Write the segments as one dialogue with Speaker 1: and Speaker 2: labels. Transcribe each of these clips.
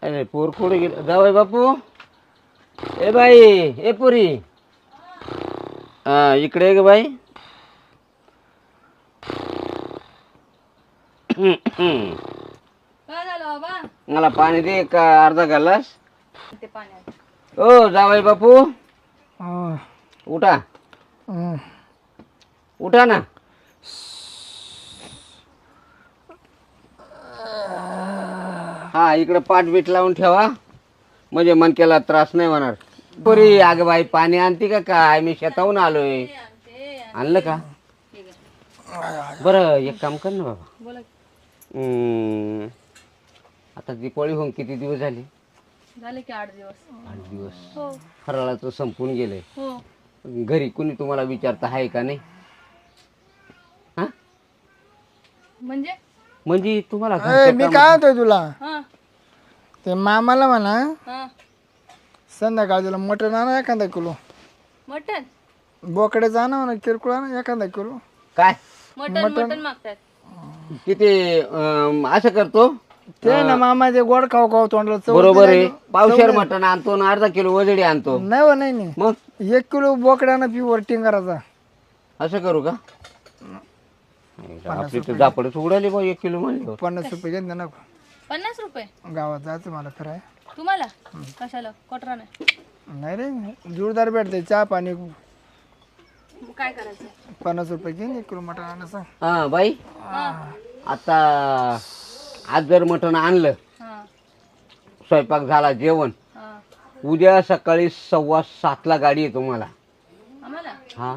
Speaker 1: अरे पोर कुठे गेलं जावई बापू. ए बाई ए पुरी इकडे ये ग बाई.
Speaker 2: काय झालं बाबा?
Speaker 1: मला पाणी दे एक अर्धा ग्लास.
Speaker 2: ते पाण्यात.
Speaker 1: ओ जावई बापू
Speaker 3: हं,
Speaker 1: उठा
Speaker 3: हं.
Speaker 1: उठा ना. हा इकडे पाठ बीट लावून ठेवा म्हणजे मनकेला त्रास नाही होणार. पुरी अगं बाई पाणी आणते का काय? मी शेताहून आलोय. आणलं का? बरं एक काम कर ना बाबा.
Speaker 2: बोला.
Speaker 1: आता दिवाळी होऊन किती दिवस झाले?
Speaker 2: झाले की 8 दिवस.
Speaker 1: 8 दिवस.
Speaker 2: हो
Speaker 1: फराळाचं संपून गेलंय.
Speaker 2: हो.
Speaker 1: घरी कुणी तुम्हाला विचारता आहे का नाही? हा
Speaker 2: म्हणजे
Speaker 1: म्हणजे तुम्हाला
Speaker 3: ए,
Speaker 1: घरच्या
Speaker 3: मी
Speaker 1: कामात-
Speaker 3: काय म्हणतोय तुला
Speaker 2: हा
Speaker 3: ते मामाला म्हणा
Speaker 2: हा.
Speaker 3: संध्याकाळ तुला मटण आणा एखादा किलो.
Speaker 2: मटन
Speaker 3: बोकडे जाणं म्हणा किरकोळ आणा एखादा किलो.
Speaker 1: काय
Speaker 2: मटन मागतात.
Speaker 1: किती असं करतो.
Speaker 3: ते ना मामा ते गोड खाऊ खाऊ तोंडला चव
Speaker 1: बरोबर आहे.
Speaker 3: दिली.
Speaker 1: पावशेर मटण आणतो ना अर्धा किलो वजडी आणतो.
Speaker 3: नाही हो, नाही नाही
Speaker 1: मग
Speaker 3: 1 किलो बोकडे आणा पिवर टिंगाराचा.
Speaker 1: असं करू का? आपली तर जापडच उडाली बा 1 किलो म्हणलं.
Speaker 3: 50 रुपये घेऊन दे ना
Speaker 2: 50 रुपये
Speaker 3: गावात जायचं मला फिराय.
Speaker 2: तुम्हाला? कशाला? कोटरा नाही.
Speaker 3: नाही रे जोरदार भेटते चहा पाणी.
Speaker 2: मग काय करायचं?
Speaker 3: 50 रुपये घेऊन 1 किलो मटण आणायचं.
Speaker 1: हा बाई
Speaker 2: हा
Speaker 1: आता आज जर मटण आणलं
Speaker 2: हा
Speaker 1: स्वयंपाक झाला जेवण
Speaker 2: हा.
Speaker 1: उद्या सकाळी 7:15 गाडी आहे तुम्हाला.
Speaker 2: आम्हाला
Speaker 1: हा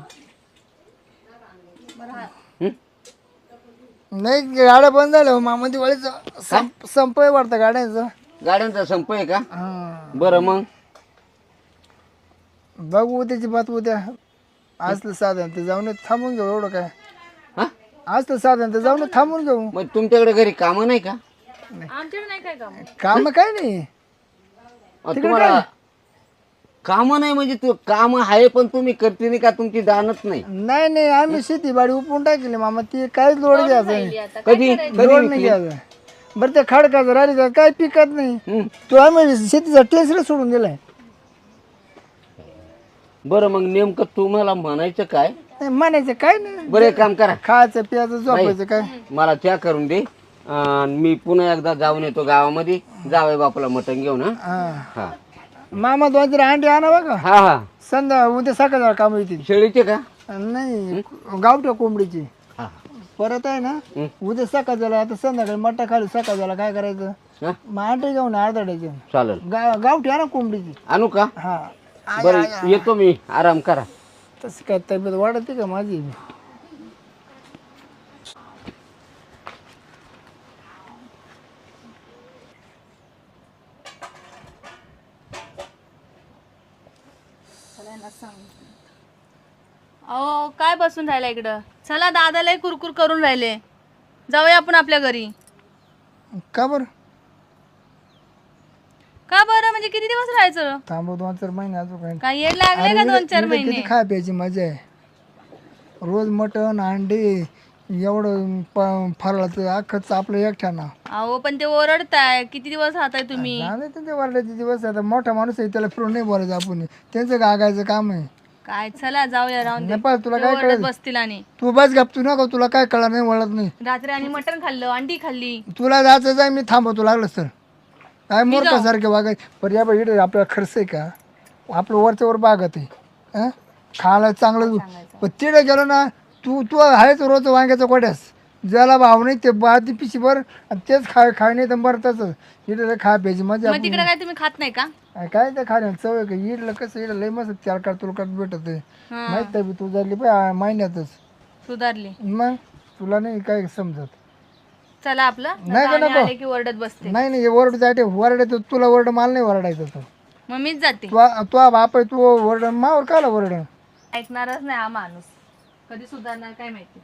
Speaker 2: बरं हा.
Speaker 3: नाही गाड्या बंद झाल्या हो मामा दिवाळीचं संपय वाटतं गाड्यांचं.
Speaker 1: गाड्यांचा संप आहे का?
Speaker 3: हा
Speaker 1: बरं मग
Speaker 3: बघू उद्याची बात उद्या. असलं साधन ते जाऊन थांबून घेऊ एवढं काय.
Speaker 1: हा
Speaker 3: असलं साधन ते जाऊन थांबून घेऊ.
Speaker 1: मग तुमच्याकडे घरी कामं नाही का?
Speaker 2: आमच्याकडे नाही काय काम.
Speaker 3: काम काय नाही
Speaker 1: तुम्हाला कामं नाही म्हणजे तू काम आहे पण तुम्ही करते नाही का? तुमची दानच नाही.
Speaker 3: नाही नाही आम्ही शेती बाडी उपटून टाकली मामा ती काहीच लोड घ्यायचं नाही.
Speaker 2: आता
Speaker 1: कधी
Speaker 3: लोड नाही घ्यायचं. बरं ते खडकाचं राहिली तर काय पिकत नाही.
Speaker 1: हं.
Speaker 3: तो आम्ही शेतीचा टेस्टला सोडून दिलाय.
Speaker 1: बरं मग नेमकं तुम्हाला म्हणायचं काय?
Speaker 3: नाही म्हणायचं काय नाही.
Speaker 1: बरं एक काम करा
Speaker 3: खायचं प्यायचं झोपायचं काय.
Speaker 1: मला चहा करून दे. मी पुन्हा एकदा जाऊन येतो गावामध्ये जावई बापूला मटण घेऊन. हा
Speaker 3: हा
Speaker 1: हा
Speaker 3: मामा 2-4 अंडे आणा बघा.
Speaker 1: हा हा
Speaker 3: संध्या उद्या सकाळ काम येतील.
Speaker 1: शेळीचे का?
Speaker 3: नाही गावठ्या कोंबडीची.
Speaker 1: हा
Speaker 3: परत आहे ना उद्या सकाळ झाला आता संध्याकाळी मट्टा खाली सकाळ झाला काय करायचं.
Speaker 1: हा
Speaker 3: मग अंडे घेऊन अर्धा डझन
Speaker 1: चालेल.
Speaker 3: गावठी आणा कोंबडीची.
Speaker 1: आणू का?
Speaker 3: हा
Speaker 1: बरं येतो मी. आराम करा.
Speaker 3: तसं काय तब्येत वाढते का माझी.
Speaker 2: अहो काय बसून राहिला इकडं? चला दादालाही कुरकुर करून राहिले. जाऊया आपण आपल्या घरी.
Speaker 3: का बरं
Speaker 2: का बरं म्हणजे किती दिवस राहायचं?
Speaker 3: थांबव 2-4 महिने अजून काय.
Speaker 2: काय येड लागले का 2-4 महिने?
Speaker 3: किती खाय प्यायची मजा आहे. रोज मटण अंडे एवढं फराळाचं अख्खं आपलं एकट्यानं.
Speaker 2: अहो पण ते ओरडताय. किती दिवस राहताय तुम्ही?
Speaker 3: झालं ते वाढल्याचे दिवस. आता मोठा माणूस आहे त्याला फिरून नाही बोलायचं आपण. त्यांचं गागायचं काम आहे.
Speaker 2: काय चला जाऊया राहून दे.
Speaker 3: नेपाळ तुला
Speaker 2: ते
Speaker 3: काय
Speaker 2: ओरडत
Speaker 3: कळेल.
Speaker 2: बसतील आणि
Speaker 3: तू बस गप तू नको. तुला काय कळणार नाही वळत नाही.
Speaker 2: रात्री आणि मटण खाल्लं अंडी खाल्ली.
Speaker 3: तुला जायचं जाय मी थांबवतो लागलंच तर. काय मूर्खासारखे वागाय. पण या बाई इकडे आपल्याला खर्च आहे का? आपलं वरच्या वर बागत आहे. हं? खायला चांगलं. पण तिकडे गेलो ना तू तू आहेच रोज वांग्याचा कोट्यास. ज्याला भाव नाही ते बाती पिशी भर आणि तेच खाय नाही तर बरं तसंच. इकडे खा प्यायची मजा.
Speaker 2: मग तिकडे काय तुम्ही खात नाही का?
Speaker 3: काय ते खाण्याला चव आहे का? इडलं कसं इडलं लय मस्त 4 तुलकात भेटत आहे.
Speaker 2: हा.
Speaker 3: माहित आहे तू झाली पाय महिन्यातच.
Speaker 2: सुधारली.
Speaker 3: मग तुला नाही काय समजत.
Speaker 2: चला आपलं
Speaker 3: नाही का
Speaker 2: आणि
Speaker 3: नको.
Speaker 2: आले की ओरडत बसते.
Speaker 3: नाही नाही वरड जाते वरडायचं तुला वरड मला नाही वरडायचं. तू
Speaker 2: मग मीच जाते.
Speaker 3: तू बाप आहे तू वरड मावर काला वरड.
Speaker 2: ऐकणारच नाही हा माणूस. कधी सुधारणार काय माहिती.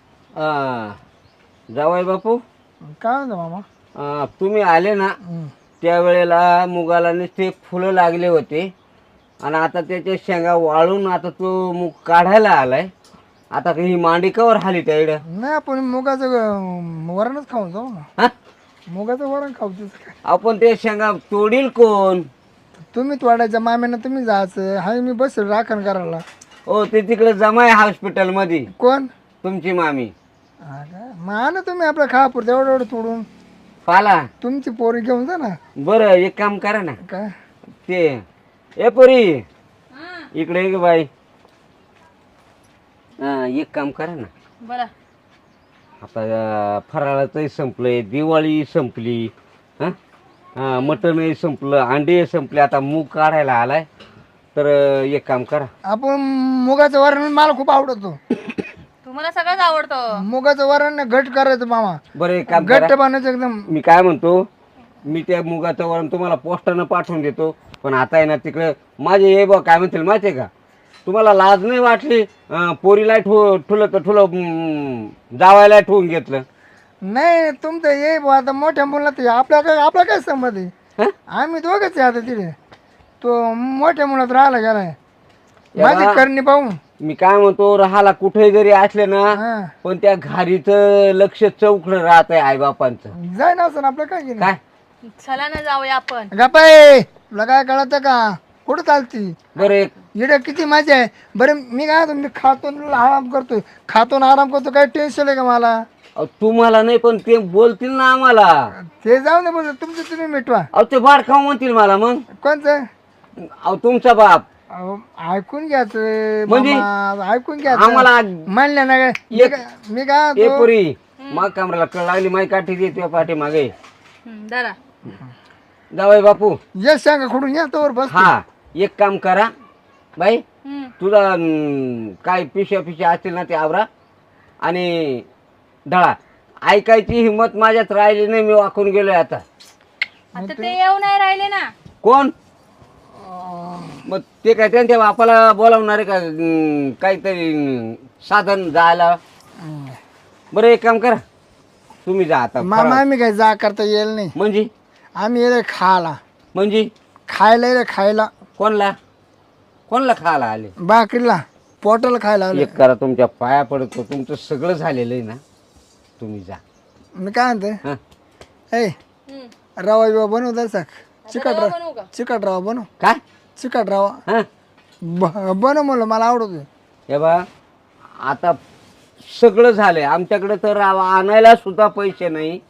Speaker 1: जावई बापू
Speaker 3: काय म्हणतो मामा.
Speaker 1: तुम्ही आले ना त्यावेळेला मुगाला नुसते फुलं लागले होते आणि आता त्याचे शेंगा वाळून आता तो मूग काढायला आलाय. आता ही मांडी कवर हाली त्या इकडं.
Speaker 3: नाही आपण मुगाचं वरणच खाऊन जाऊ ना.
Speaker 1: हा?
Speaker 3: मुगाचं वरण खाऊ तुझं काय.
Speaker 1: आपण ते शेंगा तोडील कोण?
Speaker 3: तुम्ही तोडायच्या माम्यानं तुम्ही जायचं. हाय मी बस राखण करायला.
Speaker 1: हो ते तिकडे जमाय हॉस्पिटल मध्ये
Speaker 3: कोण?
Speaker 1: तुमची मामी.
Speaker 3: हा का? मग आणा तुम्ही आपल्या खापुरतं एवढं एवढं तोडून.
Speaker 1: पाला
Speaker 3: तुमची पोरी घेऊन जा ना.
Speaker 1: बरं एक काम करा ना,
Speaker 3: काय
Speaker 1: ते ए पोरी इकडे ये ग बाई. हा एक काम करा ना,
Speaker 2: बरं
Speaker 1: आता फराळाचंही संपलंय, दिवाळी संपली, हां मटणही संपलं, अंडे संपले, आता मूग काढायला आलाय. तर एक काम करा,
Speaker 3: आपण मुगाचं वरण मला खूप आवडतो.
Speaker 2: तुम्हाला सगळंच आवडतं.
Speaker 3: मुगाचं वरण घट करायचं मामा.
Speaker 1: बरं एक काम
Speaker 3: घट्ट
Speaker 1: करा,
Speaker 3: बनायचं एकदम.
Speaker 1: मी काय म्हणतो, मी त्या मुगाचं वरण तुम्हाला पोस्टानं पाठवून देतो. पण आता आहे ना तिकडे माझे हे बघ काय म्हणतील माहिती आहे का, तुम्हाला लाज नाही वाटली? पोरीला ठुलं तर ठुलं, जावायला ठेवून घेतलं.
Speaker 3: नाही तुमचं ये बुवा, आता मोठ्या मुलात आपल्या काय संमत आहे.
Speaker 1: हं?
Speaker 3: आम्ही दोघंच आहे आता तिथे. तो मोठ्या मुलात राहायला गेलाय
Speaker 1: या
Speaker 3: माझी
Speaker 1: बा.
Speaker 3: करणी पाहून.
Speaker 1: मी काय म्हणतो, राहाला कुठे जरी असले ना,
Speaker 3: हा.
Speaker 1: पण त्या घारीचं लक्ष चौकडं राहत आहे आईबापांचं.
Speaker 3: जाय ना असं आपलं काय केलं.
Speaker 1: काय
Speaker 2: चला ना जाऊया आपण.
Speaker 3: गपाय तुला काय कळत का कुठं चालती.
Speaker 1: बरं एक
Speaker 3: इकडे किती मजा आहे. बरं मी काय म्हणतो, मी खातो आणि आराम करतोय, खातो आणि आराम करतो. काही टेन्शन आहे का मला?
Speaker 1: अहो, तुम्हाला नाही पण ते बोलतील ना आम्हाला.
Speaker 3: ते जाऊ दे बोल, तुमचं तुम्ही मिटवा.
Speaker 1: अहो ते बाळ खाऊ म्हणतील मला मग.
Speaker 3: कोणचं?
Speaker 1: अहो तुमचा बाप.
Speaker 3: अहो, ऐकून घ्यायचं
Speaker 1: म्हणजे?
Speaker 3: मामा, ऐकून घ्यायचं.
Speaker 1: आम्हाला
Speaker 3: म्हणलं ना काय मी काय
Speaker 1: ए
Speaker 3: म्हणतो,
Speaker 1: पुरी मग कमराला कळ लागली, माई काठी देते पाठी मागे.
Speaker 2: जरा
Speaker 1: जावई बापू,
Speaker 3: ये सांगा खोडून या तोवर बस.
Speaker 1: हा एक काम करा बाई,
Speaker 2: हम्म.
Speaker 1: तुझा काय पिशव्या असतील ना ते आवरा आणि ढळा. ऐकायची हिंमत माझ्यात राहिली नाही, मी वाकून गेलोय आता.
Speaker 2: आता ते येऊ नाही राहिले ना.
Speaker 1: कोण? मग ते काय त्यांच्या बापाला बोलावणार आहे का? काहीतरी साधन जायला. बरं एक काम करा, तुम्ही जा आता.
Speaker 3: मामा आम्ही काय जा करता येईल नाही.
Speaker 1: म्हणजे
Speaker 3: आम्ही येले खायला,
Speaker 1: म्हणजे
Speaker 3: खायला येले खायला.
Speaker 1: कोणला कोणला खायला आले?
Speaker 3: भाकरीला पोटाला खायला आले.
Speaker 1: एक करा, तुमच्या पाया पडतो, तुमचं सगळं झालेलं आहे ना, तुम्ही जा.
Speaker 3: मी काय म्हणते,
Speaker 1: हा
Speaker 3: ए
Speaker 2: हम्म.
Speaker 3: रवा बिवा बनव द्यायचा. चिकट
Speaker 2: रवा
Speaker 3: रवा,
Speaker 2: बनवू का?
Speaker 3: चिकट रवा बनव.
Speaker 1: काय?
Speaker 3: चिकट रवा
Speaker 1: हा
Speaker 3: बनव म्हणलं, मला आवडतो.
Speaker 1: हे बा, आता सगळं झालंय आमच्याकडे, तर आणायला सुद्धा पैसे नाही.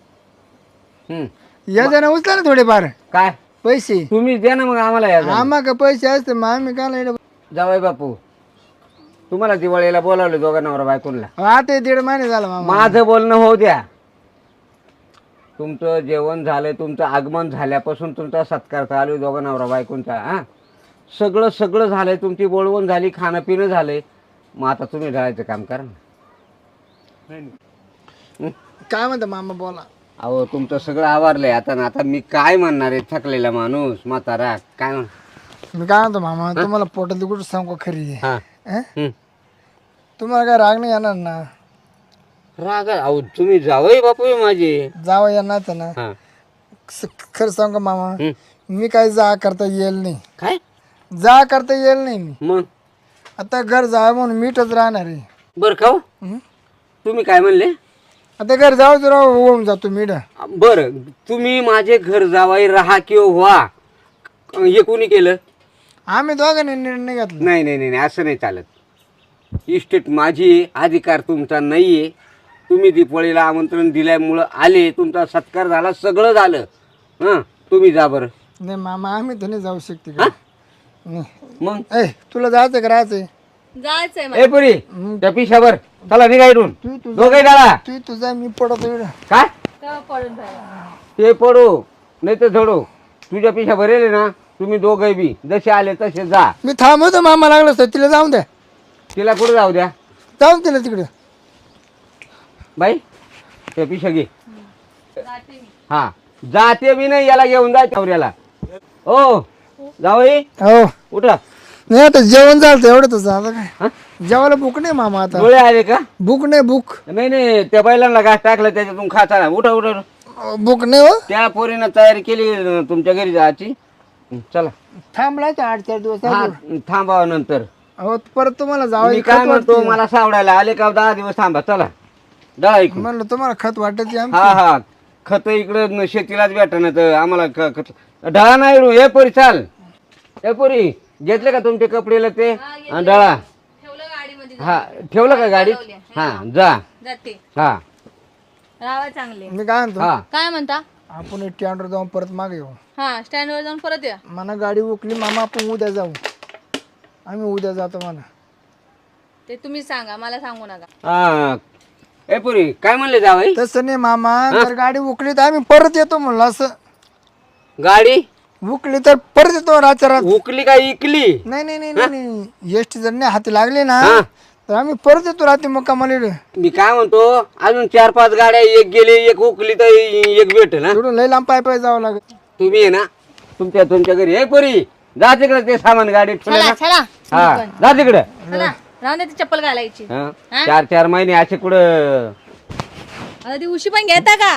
Speaker 3: या जण उचला ना थोडेफार
Speaker 1: काय
Speaker 3: पैसे.
Speaker 1: तुम्ही द्या ना मग आम्हाला. या
Speaker 3: आम्हा का पैसे असते मग आम्ही काय
Speaker 1: जावई बापू, तुम्हाला दिवाळीला बोलावले दोघा नवरा बायकोनला.
Speaker 3: आता 1.5 महिने झाला मामा.
Speaker 1: माझं बोलणं होऊ द्या. तुमचं जेवण झालंय, तुमचं आगमन झाल्यापासून तुमचा सत्कार चालू आहे दोघा नवरा बायकोंचा. हा सगळं सगळं झालंय, तुमची बोलवण झाली, खाणं पिणं झालंय. मग आता तुम्ही ढळायचं काम करा ना.
Speaker 3: काय म्हणता मामा बोला.
Speaker 1: अहो तुमचं सगळं आवारलंय आता ना. आता मी काय म्हणणार आहे, थकलेला माणूस म्हातारा काय म्हण.
Speaker 3: मी काय म्हणतो मामा, तुम्हाला पोटात कुठं सांगू खरी आहे.
Speaker 1: हा
Speaker 3: हं? तुम्हाला काय राग नाही येणार ना?
Speaker 1: राग? अहो तुम्ही जावई बापू आहे माझे.
Speaker 3: जावं येणार तर ना.
Speaker 1: हा
Speaker 3: खरं सांगू मामा,
Speaker 1: हं.
Speaker 3: मी काही जा करता येईल नाही.
Speaker 1: काय
Speaker 3: जा करता येईल नाही मी.
Speaker 1: मग?
Speaker 3: आता घर जावं म्हणून मीठच राहणार आहे.
Speaker 1: बरं का हो?
Speaker 3: हं?
Speaker 1: तुम्ही काय म्हणले?
Speaker 3: आता घर जावं तर होऊन जातो मीठ.
Speaker 1: बरं, तुम्ही माझे घर जावाई राहा किंवा व्हा, हे कोणी केलं?
Speaker 3: आम्ही दोघांनी निर्णय घेतला.
Speaker 1: नाही नाही नाही नाही, असं नाही चालत. इस्टेट माझी आहे, अधिकार तुमचा नाही आहे. तुम्ही दिवाळीला आमंत्रण दिल्यामुळं आले, तुमचा सत्कार झाला, सगळं झालं. हां तुम्ही जा बरं.
Speaker 3: नाही मामा, आम्ही तर नाही जाऊ शकते का. नाही.
Speaker 1: मग
Speaker 3: ए तुला जायचं का राहायचंय?
Speaker 2: जायचंय मला.
Speaker 1: ए पुरी त्या पिशावर चला निघा इथून. दोघे डाळा.
Speaker 3: तुझा मी पडतो इकडं.
Speaker 1: काय
Speaker 2: तेव्हा पडून राहिला.
Speaker 1: ते पडू नाही तर झडू, तुझ्या पिशा भरेले ना. तुम्ही दोघे बी जसे आले तसे जा.
Speaker 3: मी थांबवतो मामा, लागलं असतं तिला जाऊन द्या.
Speaker 1: तिला कुठं जाऊ द्या?
Speaker 3: जाऊन तिला तिकडे.
Speaker 1: बाई त्या पिशा घे.
Speaker 2: जाते मी.
Speaker 1: हा जाते बी नाही, याला घेऊन जा चौऱ्याला. ओ जावई
Speaker 3: हो
Speaker 1: उठा.
Speaker 3: नाही आता जेवण झालं एवढंच. आता
Speaker 1: हा?
Speaker 3: काय जेवायला भूक नाही मामा. आता
Speaker 1: डोळे आले का?
Speaker 3: भूक नाही भूक.
Speaker 1: नाही नाही, त्या बैलांना घास टाकला त्याच्यातून खाता. उठा उठा उठा.
Speaker 3: बुक नाही हो
Speaker 1: त्या पोरीनं तयारी केली तुमच्या घरी जायची. चला
Speaker 3: थांबलाय तर 8-4 दिवस
Speaker 1: हा थांबावं नंतर.
Speaker 3: अहो परत तुम्हाला
Speaker 1: मी
Speaker 3: जावं
Speaker 1: काय म्हणतो मला सावडायला आले का 10 दिवस थांबा. चला डळा इकडून.
Speaker 3: म्हणलं तुम्हाला खत वाटत
Speaker 1: हा हा खत इकडं शेतीलाच भेटणार तर आम्हाला ढळा नाही रू. हे पोरी चाल. हे पोरी घेतले का तुमचे कपडेला ते आणि डळा.
Speaker 2: ठेवलं गाडीमध्ये.
Speaker 1: हा ठेवलं का गाडीत. हा जा.
Speaker 2: जाते.
Speaker 1: हा
Speaker 2: राहावा चांगले.
Speaker 3: मी काय म्हणतो
Speaker 1: हा
Speaker 2: काय म्हणता.
Speaker 3: आपण स्टँडवर जाऊन परत मागे येऊ.
Speaker 2: हा स्टँडवर जाऊन परत या.
Speaker 3: मला गाडी उकली मामा आपण उद्या जाऊ. आम्ही उद्या जातो म्हणा.
Speaker 2: ते तुम्ही सांगा मला सांगू नका.
Speaker 1: हा. ए पुरी काय म्हणले जावई.
Speaker 3: तसं नाही मामा जर गाडी उकली तर आम्ही परत येतो म्हणलं. असं
Speaker 1: गाडी
Speaker 3: उकली तर परत येतो रातच्या रात.
Speaker 1: उकली का इकली.
Speaker 3: नाही नाही नाही नाही एसटी जर नाही हाती लागले ना
Speaker 1: हा.
Speaker 3: तर आम्ही परत येतो रात्री मुक्कामाला.
Speaker 1: मी काय म्हणतो अजून 4-5 गाड्या एक गेली एक उकली तर एक भेटेल ना.
Speaker 3: थोडं लय लांब पाय पाय जावं लागेल.
Speaker 1: तुम्ही आहे ना तुमच्या घरी. हे पुरी जा तिकडे ते सामान गाडीत ठेवलं
Speaker 2: चला
Speaker 1: ना.
Speaker 2: चला
Speaker 1: हा जा तिकडे.
Speaker 2: चला राहून दे ती चप्पल घालायची.
Speaker 1: 4-4 महिने असे कुठं.
Speaker 2: आता ती उशी पण घेता का.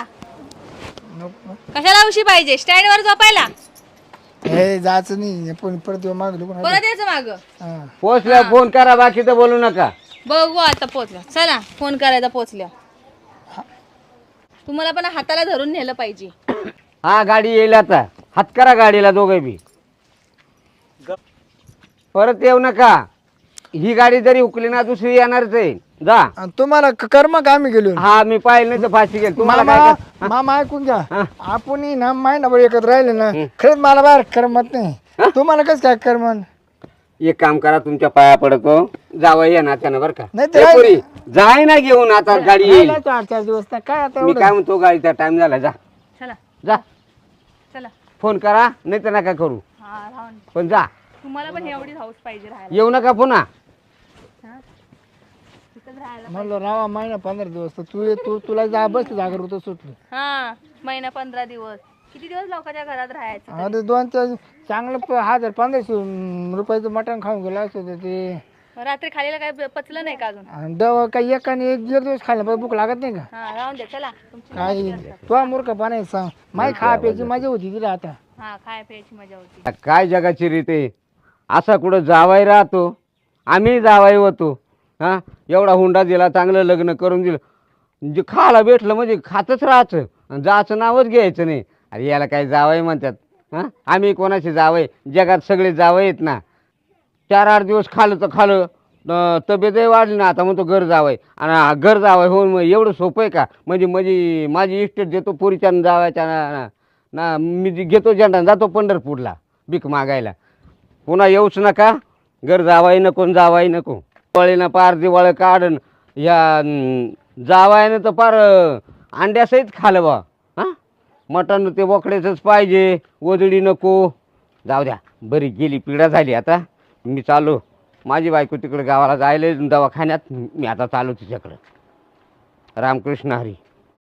Speaker 2: कशाला उशी पाहिजे स्टँड वर झोपायला.
Speaker 3: हे जायचं नाही आपण परत येऊ मागलो पण.
Speaker 2: परत यायचं माग.
Speaker 3: हा.
Speaker 1: पोचल्या फोन करा बाकी तर बोलू नका.
Speaker 2: बघू आता पोचल्या. चला फोन करायचा पोचल्या. तुम्हाला पण हाताला धरून नेलं पाहिजे.
Speaker 1: हा गाडी येईल आता. हात करा गाडीला दोघे बी. परत येऊ नका. ही गाडी जरी उकली ना दुसरी येणारच आहे. जा.
Speaker 3: आणि तुम्हाला कर्म का आम्ही गेलो.
Speaker 1: हा मी पाहिलं नाही तर फाशी गेल. तुम्हाला काय
Speaker 3: मामा
Speaker 1: कर-
Speaker 3: मामा ऐकून घ्या. आपण ना महिनाभर एकत्र राहिले ना खरंच मला बाहेर करमत नाही. तुम्हाला कसं काय करमन.
Speaker 1: एक काम करा तुमच्या पाया पडतो. जावं या नात्यानं बरं का.
Speaker 3: नाही तर
Speaker 1: ए पोरी, जाय ना घेऊन आता गाडी येईल.
Speaker 3: 4-4 दिवस ना काय आता
Speaker 1: मी
Speaker 3: एवढं.
Speaker 1: काय म्हणतो गाडीचा टाइम झाला. जा
Speaker 2: चला
Speaker 1: जा.
Speaker 2: चला.
Speaker 1: फोन करा नाही तर नका करू
Speaker 2: हा राहून.
Speaker 1: पण जा.
Speaker 2: तुम्हाला पण एवढीच हाऊस पाहिजे राहायला.
Speaker 1: येऊ नका पुन्हा.
Speaker 2: हा? तिथंच राहायला.
Speaker 3: म्हणलं रावा महिना 15 दिवस तर तुला जा बस जागर होतं सुटली.
Speaker 2: हा महिना 15 दिवस. किती दिवस लोकांच्या घरात राहायचं.
Speaker 3: अरे 2-4 चांगलं 1500 रुपयाचं मटण खाऊन गेलं असं होतं ते.
Speaker 2: रात्री खालीला काय पचलं नाही का अजून.
Speaker 3: आणि दवा काही एकाने 1-1.5 दिवस खायला पण भूक लागत नाही का.
Speaker 2: हा राहून द्या. चला तुमची
Speaker 3: काय तुला मूर्खपणा सांग. माई खा प्यायची मजा होती तिला आता.
Speaker 2: हा खाय प्यायची मजा होती.
Speaker 1: काय जगाची रीत आहे. असा कुठं जावाई राहतो. आम्ही जावाई होतो. हा एवढा हुंडा दिला चांगलं लग्न करून दिलं. जे खायला भेटलं म्हणजे खातच राहायचं. आणि जायचं नावच घ्यायचं नाही. अरे याला काय जावई म्हणतात. हां आम्ही कोणाचे जावई. जगात सगळे जावई आहेत ना. 4-8 दिवस खाल्लं तर खाल्लं. तब्येतही वाढली ना. आता म्हणतो घर जावई. आणि घर जावई होऊन मग एवढं सोपं आहे का. म्हणजे माझी इस्टेट देतो पोरीच्या जावायच्या ना मी घेतो झेंडा जातो पंढरपूरला भीक मागायला. पुन्हा येऊच नका. घर जावाई नको जावाई नको. दिवाळीनं पार दिवाळी काढन या जावायनं तर पार अंड्यासहित खालं बा. हां मटण ते बोकड्याचंच पाहिजे. वजडी नको. जाऊ द्या बरी गेली पिढा झाली. आता मी चाललो. माझी बायको तिकडे गावाला जायला दवाखान्यात. मी आता चालू तिच्याकडं. रामकृष्ण हरी.